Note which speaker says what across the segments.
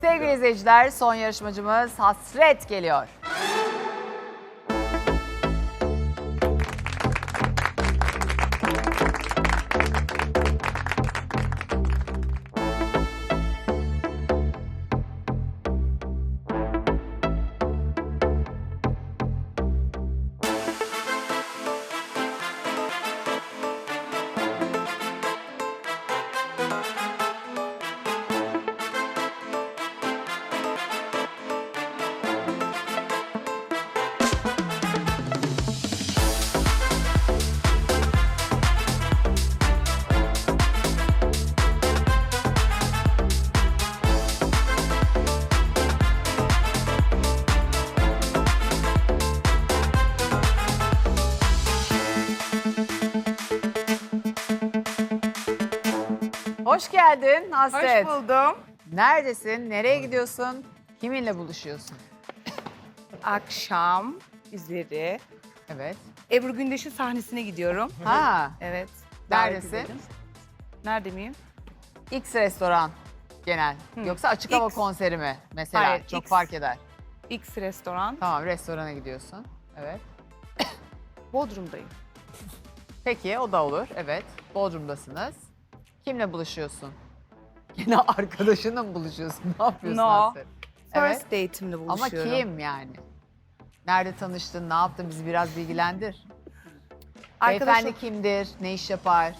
Speaker 1: Sevgili izleyiciler, son yarışmacımız Hasret geliyor. Hoş geldin Hasret.
Speaker 2: Hoş buldum.
Speaker 1: Neredesin? Nereye gidiyorsun? Kiminle buluşuyorsun?
Speaker 2: Akşam üzeri
Speaker 1: Evet.
Speaker 2: Ebru Gündeş'in sahnesine gidiyorum.
Speaker 1: Ha,
Speaker 2: Evet.
Speaker 1: Neredesin?
Speaker 2: davet edildim. Nerede miyim?
Speaker 1: X restoran genel. Yoksa açık hava
Speaker 2: X.
Speaker 1: konseri mi mesela?
Speaker 2: Hayır,
Speaker 1: Çok
Speaker 2: X.
Speaker 1: fark eder.
Speaker 2: X restoran.
Speaker 1: Tamam, restorana gidiyorsun. Evet.
Speaker 2: Bodrum'dayım.
Speaker 1: Peki, o da olur. Evet. Bodrum'dasınız. Kimle buluşuyorsun? Yine arkadaşınla mı buluşuyorsun? Ne yapıyorsun
Speaker 2: No.
Speaker 1: Hasret? Evet.
Speaker 2: First date'imle
Speaker 1: Ama
Speaker 2: buluşuyorum.
Speaker 1: kim yani? Nerede tanıştın? Ne yaptın? Bizi biraz bilgilendir.
Speaker 2: Arkadaşım.
Speaker 1: Beyefendi kimdir? Ne iş yapar?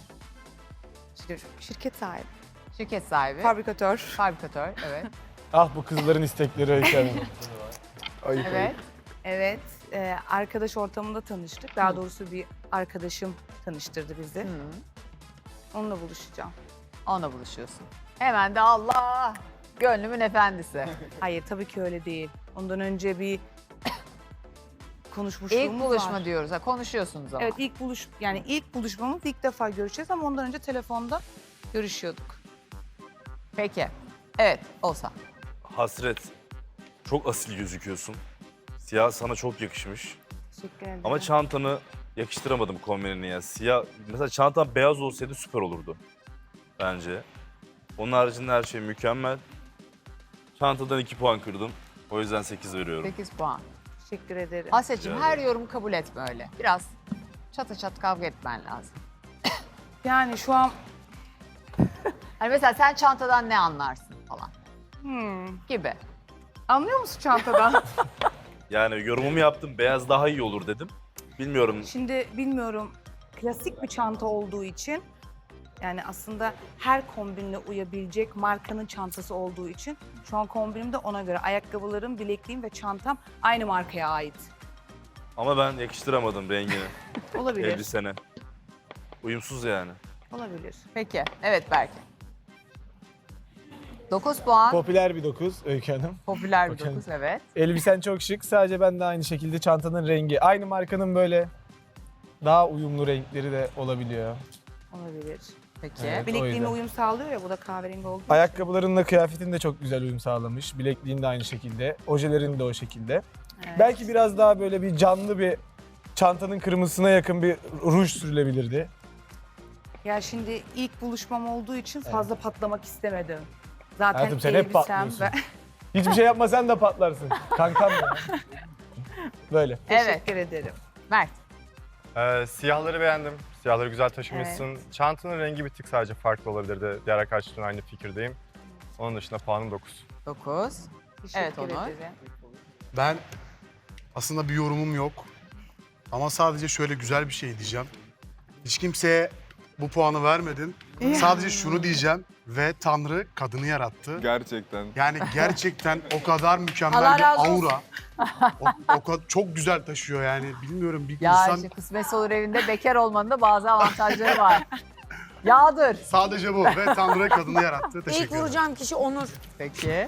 Speaker 2: Şirket sahibi.
Speaker 1: Şirket sahibi.
Speaker 2: Fabrikatör.
Speaker 1: Fabrikatör. Evet.
Speaker 3: Ah bu kızların istekleri Öykü Hanım. Ayıp
Speaker 1: Evet.
Speaker 2: Evet. Arkadaş ortamında tanıştık. Daha doğrusu bir arkadaşım tanıştırdı bizi.
Speaker 1: Hı.
Speaker 2: Onunla buluşacağım.
Speaker 1: Onunla buluşuyorsun. Hemen de Allah! Gönlümün efendisi.
Speaker 2: Hayır tabii ki öyle değil. Ondan önce bir konuşmuşluğumuz
Speaker 1: İlk buluşma
Speaker 2: var.
Speaker 1: diyoruz. Ha, konuşuyorsunuz ama.
Speaker 2: Evet ilk buluşmamız ilk defa görüşeceğiz ama ondan önce telefonda görüşüyorduk.
Speaker 1: Peki. Evet, olsa.
Speaker 4: Hasret, çok asil gözüküyorsun. Siyah sana çok yakışmış.
Speaker 2: Teşekkür ederim.
Speaker 4: Ama çantanı yakıştıramadım kombinini ya. Siyah, mesela çantan beyaz olsaydı süper olurdu bence. Onun haricinde her şey mükemmel. Çantadan 2 puan kırdım. O yüzden 8 veriyorum.
Speaker 1: 8 puan.
Speaker 2: Teşekkür ederim.
Speaker 1: Hasretciğim
Speaker 4: Rica
Speaker 1: her
Speaker 4: ederim.
Speaker 1: yorumu kabul etme öyle. Biraz çatı çat kavga etmen lazım.
Speaker 2: Yani şu an
Speaker 1: Hani mesela sen çantadan ne anlarsın falan gibi.
Speaker 2: anlıyor musun çantadan?
Speaker 4: Yani yorumumu yaptım, beyaz daha iyi olur dedim. Bilmiyorum,
Speaker 2: Şimdi bilmiyorum klasik bir çanta olduğu için yani aslında her kombinle uyabilecek markanın çantası olduğu için şu an kombinim de ona göre. Ayakkabılarım, bilekliğim ve çantam aynı markaya ait.
Speaker 4: ama ben yakıştıramadım rengini,
Speaker 2: Olabilir.
Speaker 4: elbisene. Uyumsuz yani.
Speaker 2: Olabilir.
Speaker 1: Peki. Evet Berke. 9 puan.
Speaker 3: Popüler bir 9 Öykü Hanım.
Speaker 1: Popüler bir
Speaker 3: Bakalım.
Speaker 1: 9 evet.
Speaker 3: Elbisen çok şık. Sadece ben de aynı şekilde çantanın rengi. Aynı markanın böyle daha uyumlu renkleri de olabiliyor.
Speaker 2: Olabilir.
Speaker 1: Peki.
Speaker 3: Evet. O
Speaker 2: Bilekliğime
Speaker 3: yüzden.
Speaker 2: uyum sağlıyor ya bu da kahverengi olduğu için.
Speaker 3: Ayakkabılarınla kıyafetin de çok güzel uyum sağlamış. Bilekliğin de aynı şekilde. Ojelerin de o şekilde.
Speaker 2: Evet.
Speaker 3: Belki biraz daha böyle bir canlı bir çantanın kırmızısına yakın bir ruj sürülebilirdi.
Speaker 2: Ya şimdi ilk buluşmam olduğu için fazla patlamak istemedim. Zaten
Speaker 3: Hayatım sen hep
Speaker 2: elbisem
Speaker 3: patlıyorsun.
Speaker 2: ve...
Speaker 3: Hiçbir şey yapmasan da patlarsın. Kankam ya. Böyle.
Speaker 1: Evet.
Speaker 2: Teşekkür ederim.
Speaker 1: Mert.
Speaker 5: Siyahları beğendim. Siyahları güzel taşımışsın. Çantanın rengi bir tık sadece farklı olabilirdi. Diğer arkadaşlarımla aynı fikirdeyim. Onun dışında puanım 9.
Speaker 1: 9.
Speaker 2: Teşekkür
Speaker 1: Evet, Onur.
Speaker 2: ederim.
Speaker 6: Ben aslında bir yorumum yok. Ama sadece şöyle güzel bir şey diyeceğim. Hiç kimseye bu puanı vermedin. Sadece şunu diyeceğim. Ve Tanrı kadını yarattı.
Speaker 5: Gerçekten.
Speaker 6: Yani gerçekten o kadar mükemmel
Speaker 2: Allah
Speaker 6: bir
Speaker 2: razı olsun.
Speaker 6: aura. O kadar çok güzel taşıyor yani. Bilmiyorum bir
Speaker 1: Ya
Speaker 6: insan
Speaker 1: işte kısmetse olur evinde bekar olmanın da bazı avantajları var. Yağdır.
Speaker 6: sadece bu. Ve Tanrı kadını yarattı. Teşekkür
Speaker 7: İlk
Speaker 6: ederim.
Speaker 7: vuracağım kişi Onur.
Speaker 1: Peki.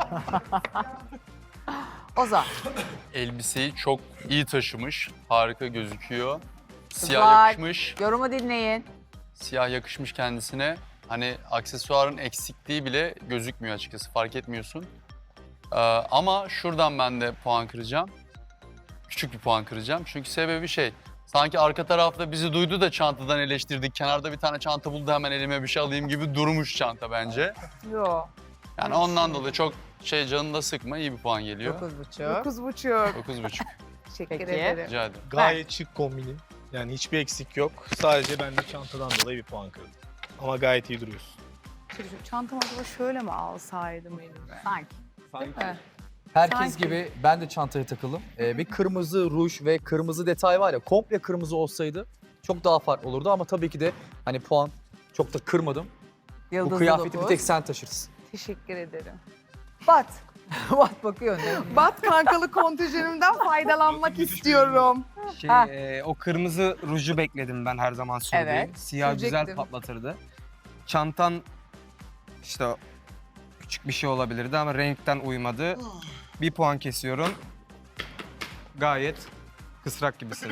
Speaker 1: Ozan.
Speaker 8: Elbiseyi çok iyi taşımış. Harika gözüküyor. Siyah
Speaker 1: Kızlar,
Speaker 8: yakışmış.
Speaker 1: Yorumu dinleyin.
Speaker 8: Siyah yakışmış kendisine. Hani aksesuarın eksikliği bile gözükmüyor açıkçası. Fark etmiyorsun. Ama şuradan ben de puan kıracağım. Küçük bir puan kıracağım. Çünkü sebebi şey. Sanki arka tarafta bizi duydu da çantadan eleştirdik. Kenarda bir tane çanta buldu hemen elime bir şey alayım gibi durmuş çanta bence.
Speaker 2: Yo.
Speaker 8: Yani ondan dolayı çok canını da sıkma, iyi bir puan geliyor.
Speaker 1: 9,5.
Speaker 2: 9,5.
Speaker 8: 9,5.
Speaker 2: Teşekkür
Speaker 1: Peki.
Speaker 2: ederim.
Speaker 8: Rica ederim.
Speaker 3: Gayet şık kombinim. Yani hiçbir eksik yok. Sadece ben de çantadan dolayı bir puan kırdım. Ama gayet iyi duruyorsun.
Speaker 2: Çantamı acaba şöyle mi alsaydım elime?
Speaker 1: Sanki.
Speaker 2: Değil mi?
Speaker 7: Herkes
Speaker 2: Sanki.
Speaker 7: gibi ben de çantaya takıldım. Bir kırmızı ruj ve kırmızı detay var ya, komple kırmızı olsaydı çok daha farklı olurdu ama tabii ki de hani puan çok da kırmadım.
Speaker 1: Yıldızlı
Speaker 7: Bu kıyafeti
Speaker 1: 9.
Speaker 7: bir tek sen taşırsın.
Speaker 2: Teşekkür ederim.
Speaker 1: Bat. Bat bakıyor. Ne?
Speaker 2: Bat kankalı kontenjanımdan faydalanmak istiyorum.
Speaker 1: Ha.
Speaker 9: O kırmızı ruju bekledim ben her zaman sürdüğüm.
Speaker 1: Evet,
Speaker 9: Siyah güzel
Speaker 2: sürecektim.
Speaker 9: patlatırdı. Çantan işte küçük bir şey olabilirdi ama renkten uymadı. Bir puan kesiyorum. Gayet kısrak gibisin.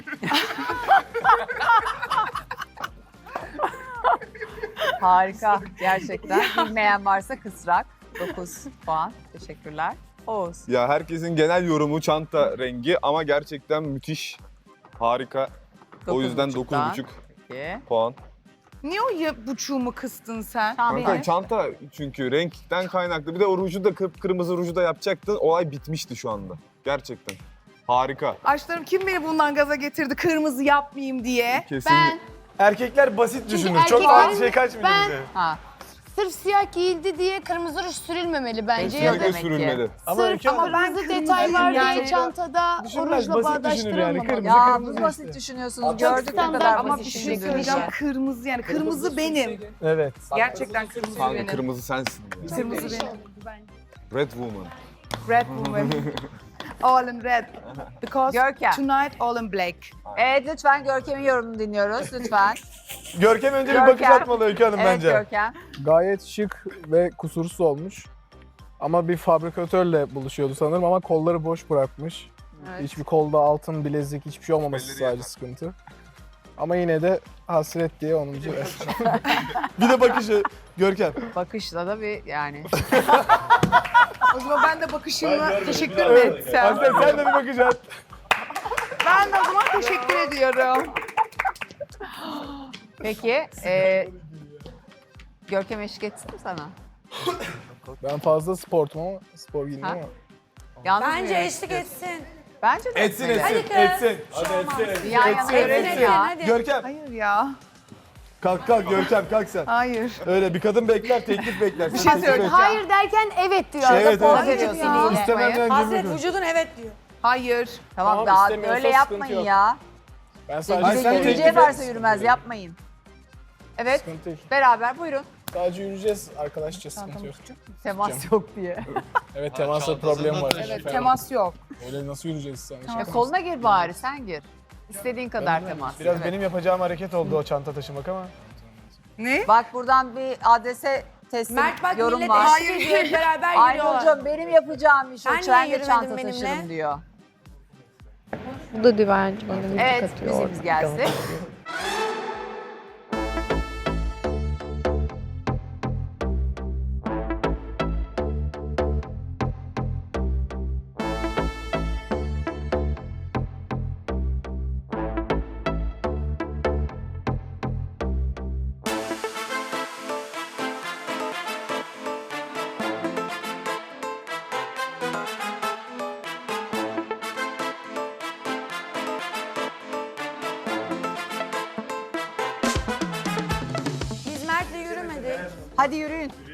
Speaker 1: Harika. Gerçekten. Bilmeyen varsa kısrak. 9 puan. Teşekkürler. Oğuz.
Speaker 10: Ya herkesin genel yorumu çanta rengi ama gerçekten müthiş, harika. O yüzden
Speaker 1: 9,5'dan.
Speaker 10: 9,5
Speaker 1: Peki.
Speaker 10: puan.
Speaker 2: Niye o buçuğumu kıstın sen?
Speaker 1: Tamam.
Speaker 10: Kanka çanta çünkü renkten kaynaklı. Bir de o ruju da kırmızı ruju da yapacaktın. Olay bitmişti şu anda. Gerçekten. Harika.
Speaker 2: Aşklarım kim beni bundan gaza getirdi kırmızı yapmayayım diye?
Speaker 10: Kesinlikle.
Speaker 3: Erkekler basit düşünür. Çok
Speaker 11: erkeklerin-
Speaker 3: fazla şey kaçmıyor
Speaker 11: Ben-
Speaker 3: bize.
Speaker 1: Ha.
Speaker 11: Sırf siyah giyildi diye kırmızı ruj sürülmemeli bence.
Speaker 1: Peki.
Speaker 11: Ya da
Speaker 10: Kesinlikle sürülmeli.
Speaker 3: Ama
Speaker 11: sırf
Speaker 3: Öykü Hanım-
Speaker 11: kırmızı
Speaker 2: ben
Speaker 11: detay var diye
Speaker 2: yani-
Speaker 11: çantada o
Speaker 3: Düşünmez,
Speaker 11: rujla
Speaker 3: basit düşünür yani,
Speaker 11: bağdaştırılmamalı.
Speaker 3: kırmızı.
Speaker 1: Ya
Speaker 3: kırmızı
Speaker 1: bu basit
Speaker 3: işte.
Speaker 1: düşünüyorsunuz. Gördük ne
Speaker 11: standart
Speaker 1: kadar
Speaker 2: Ama bir
Speaker 1: basit
Speaker 2: şey
Speaker 1: düşündüğünüzü.
Speaker 2: söyleyeceğim kırmızı yani kırmızı benim.
Speaker 3: Evet.
Speaker 2: Gerçekten kırmızı
Speaker 10: Kanka
Speaker 2: benim.
Speaker 10: kırmızı sensin ya.
Speaker 2: Kırmızı benim.
Speaker 10: Red Woman.
Speaker 2: Red woman. All in red. Because
Speaker 1: Görkem.
Speaker 2: tonight all in black.
Speaker 1: Evet lütfen Görkem'in yorumunu dinliyoruz. Lütfen.
Speaker 3: Görkem önce bir
Speaker 1: Görkem.
Speaker 3: bakış atmalı Öykü Hanım
Speaker 1: Evet
Speaker 3: bence.
Speaker 1: Görkem.
Speaker 12: Gayet şık ve kusursuz olmuş. Ama bir fabrikatörle buluşuyordu sanırım ama kolları boş bırakmış.
Speaker 1: Evet.
Speaker 12: Hiçbir kolda altın, bilezik, hiçbir şey olmaması sadece sıkıntı. Ama yine de hasret diye 10.
Speaker 3: Bir de bakışı Görkem.
Speaker 1: Bakışla da bir yani.
Speaker 2: O zaman ben de bakışımla teşekkür mü etsem?
Speaker 3: Aslen sen de bir bakış at.
Speaker 2: Ben de o zaman teşekkür ediyorum.
Speaker 1: Peki. Görkem eşlik etsin mi sana?
Speaker 12: Ben fazla sportum ama spor giyindim
Speaker 1: Ha?
Speaker 12: ama.
Speaker 1: Yalnız
Speaker 11: Bence
Speaker 1: mı?
Speaker 11: eşlik etsin.
Speaker 1: Bence de
Speaker 3: Etsin
Speaker 1: etmeli.
Speaker 3: etsin. Etsin. Hadi etsin.
Speaker 1: Yan yana
Speaker 3: Etsin,
Speaker 1: görelim
Speaker 3: etsin.
Speaker 1: ya.
Speaker 3: Görkem.
Speaker 2: Hayır ya.
Speaker 3: Kalk Görkem kalk sen.
Speaker 2: Hayır.
Speaker 3: Öyle bir kadın bekler, teklif bekler.
Speaker 2: Bir
Speaker 3: Sen
Speaker 2: şey
Speaker 3: teklif
Speaker 2: söyleyeceğim.
Speaker 3: et.
Speaker 11: Hayır derken evet diyor.
Speaker 3: Evet,
Speaker 11: Arada poz
Speaker 3: evet.
Speaker 11: veriyorsun
Speaker 1: Hayır
Speaker 11: yine.
Speaker 1: ya.
Speaker 3: İstemeden
Speaker 11: Hasret
Speaker 3: cümle kur.
Speaker 11: vücudun evet diyor.
Speaker 2: Hayır.
Speaker 1: Tamam,
Speaker 12: Tamam,
Speaker 1: daha
Speaker 12: istemiyorsa
Speaker 1: öyle
Speaker 12: sıkıntı
Speaker 1: yapmayın
Speaker 12: yok.
Speaker 1: ya.
Speaker 12: Ben
Speaker 3: Hayır,
Speaker 12: sadece
Speaker 3: sen
Speaker 1: Yürüyeceği
Speaker 3: teklif et.
Speaker 1: varsa yürümez yapmayın. Evet
Speaker 12: sıkıntı yok.
Speaker 1: beraber buyurun.
Speaker 12: Sadece yürüyeceğiz arkadaşça sıkıntı yok.
Speaker 1: Temas yok diye.
Speaker 12: Evet temasla problem var.
Speaker 2: Evet temas yok.
Speaker 12: Öyle nasıl yürüyeceğiz sen?
Speaker 1: Koluna gir bari sen gir. İstediğin kadar temas.
Speaker 3: Biraz
Speaker 1: Evet.
Speaker 3: benim yapacağım hareket oldu o çanta taşımak ama.
Speaker 2: Ne?
Speaker 1: Bak buradan bir adrese teslim
Speaker 11: Mert bak
Speaker 1: yorum
Speaker 11: millet
Speaker 1: var.
Speaker 11: eşlik ediyor. Hep beraber yürüyorlar.
Speaker 1: Aynur'cum benim yapacağım iş o.
Speaker 11: Sen
Speaker 1: Ben
Speaker 11: niye
Speaker 1: de çanta
Speaker 11: yürümedin benimle?
Speaker 1: taşırım diyor.
Speaker 13: Bu da bence bana müzik
Speaker 1: Evet
Speaker 13: atıyor.
Speaker 1: müziğimiz gelsin.
Speaker 11: Biz Mert'le yürümedik.
Speaker 1: Hadi yürüyün.